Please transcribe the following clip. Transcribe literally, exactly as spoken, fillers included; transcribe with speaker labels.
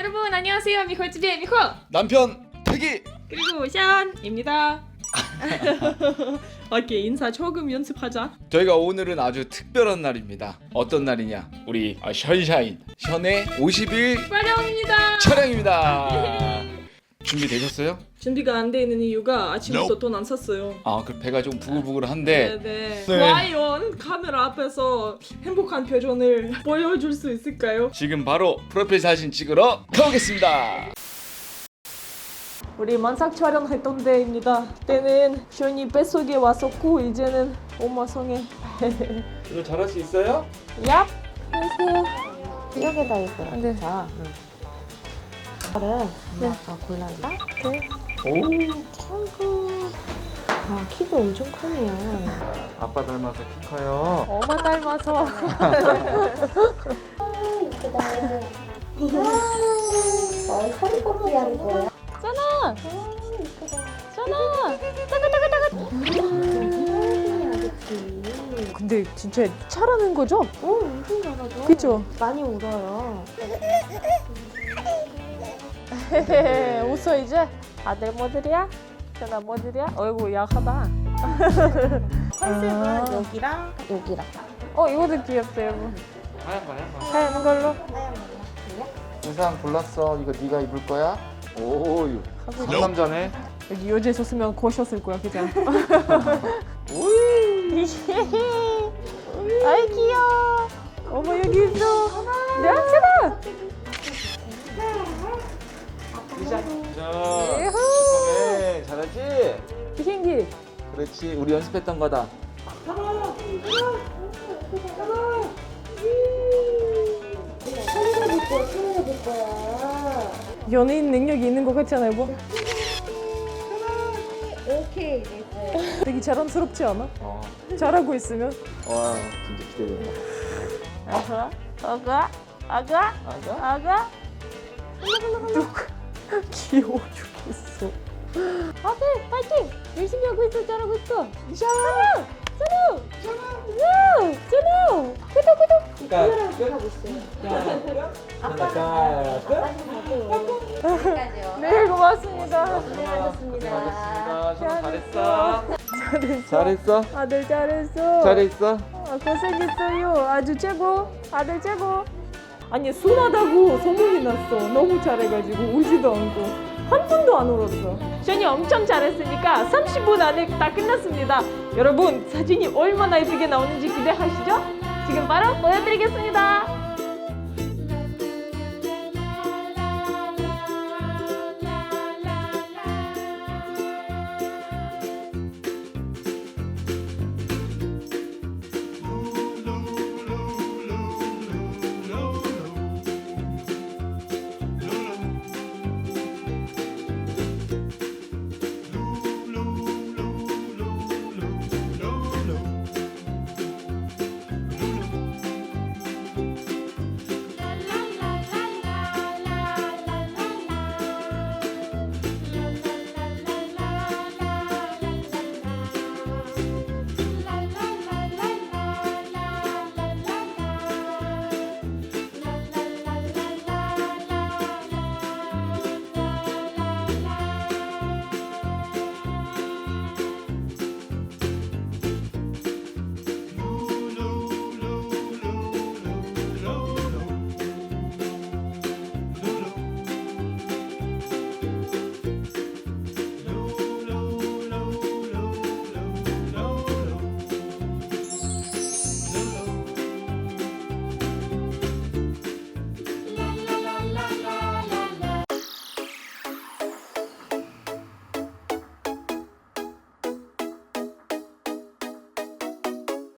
Speaker 1: 여러분 안녕하세요. 미호집의 미호
Speaker 2: 남편 태기.
Speaker 1: 그리고 샨입니다. 오케이, 인사 조금 연습하자.
Speaker 2: 저희가 오늘은 아주 특별한 날입니다. 어떤 날이냐? 우리 아, 션샤인 션의 오십 일
Speaker 1: 촬영입니다.
Speaker 2: 촬영입니다. 준비되셨어요?
Speaker 1: 준비가 안 돼 있는 이유가 아침부터 돈 안 샀어요.
Speaker 2: 아, 그 배가 좀 부글부글한데.
Speaker 1: 네네.
Speaker 2: 네.
Speaker 1: 과연 카메라 앞에서 행복한 표정을 보여줄 수 있을까요?
Speaker 2: 지금 바로 프로필 사진 찍으러 가보겠습니다.
Speaker 1: 우리 만삭 촬영했던 데입니다. 때는 션이 뱃속에 왔었고 이제는 엄마 성에.
Speaker 2: 이거 잘할 수 있어요?
Speaker 1: 얍. 안녕하세요.
Speaker 3: 여기다 있어요.
Speaker 1: 네.
Speaker 3: 자, 이거를
Speaker 1: 네.
Speaker 3: 아까 골랐다.
Speaker 1: 네.
Speaker 2: 오.
Speaker 3: 아이고, 아 키도 엄청 크네요.
Speaker 2: 아빠 닮아서 키 커요.
Speaker 1: 엄마 닮아서.
Speaker 3: 어, 허리 꺾기 하는 거예요?
Speaker 1: 짠아. 짠아. 따가 따가 따가. 근데 진짜 잘하는 거죠?
Speaker 3: 어, 엄청 잘하죠.
Speaker 1: 그쵸?
Speaker 3: 많이 울어요.
Speaker 1: 웃어 이제. 아들 뭐들이야? 짠아 뭐들이야? 어이구 약하다.
Speaker 3: 컨셉은
Speaker 1: 아.
Speaker 3: 여기랑 여기랑.
Speaker 1: 어 이거도 귀엽다 여러분.
Speaker 2: 하얀 거 하얀 거.
Speaker 1: 하얀 걸로.
Speaker 2: 의상 골랐어. 이거 네가 입을 거야? 오,
Speaker 1: 하고
Speaker 2: 상남자네.
Speaker 1: 여기 여자 있었으면 고셨을 거야 그죠? 아이 귀여워. 어머 여기 있어. 야 짠아.
Speaker 2: 자,
Speaker 1: 예후.
Speaker 2: 네, 잘하지?
Speaker 1: 비행기.
Speaker 2: 그렇지, 우리 연습했던 거다.
Speaker 3: 카메라 볼 거야, 카메라 볼 거야.
Speaker 1: 연예인 능력이 있는 것 같지 않아요, 뭐?
Speaker 3: 오케이, 됐어요.
Speaker 1: 되게 자랑스럽지 않아?
Speaker 2: 어,
Speaker 1: 잘하고 있으면.
Speaker 2: 와, 진짜 기대된다.
Speaker 1: 아가, 아가, 아가,
Speaker 2: 아가?
Speaker 1: 아가. 누구? 귀여워 죽겠어. 아들, 파이팅! 열심히 하고 있어, 잘하고 있어. 짠아, 짠아, 짠아, 짠아. 구독, 구독.
Speaker 3: 카메라를 좀 하고 있어요. 아빠가 아빠가
Speaker 1: 네, 고맙습니다.
Speaker 3: 고생하셨습니다.
Speaker 2: 션 잘했어.
Speaker 1: 잘했어.
Speaker 2: 잘했어.
Speaker 1: 아들 잘했어.
Speaker 2: 잘했어.
Speaker 1: 아, 고생했어요. 아주 최고. 아들 최고. 아니 순하다고 소문이 났어. 너무 잘해가지고 울지도 않고 한 분도 안 울었어. 션이 엄청 잘했으니까 삼십 분 안에 다 끝났습니다. 여러분 사진이 얼마나 예쁘게 나오는지 기대하시죠? 지금 바로 보여드리겠습니다.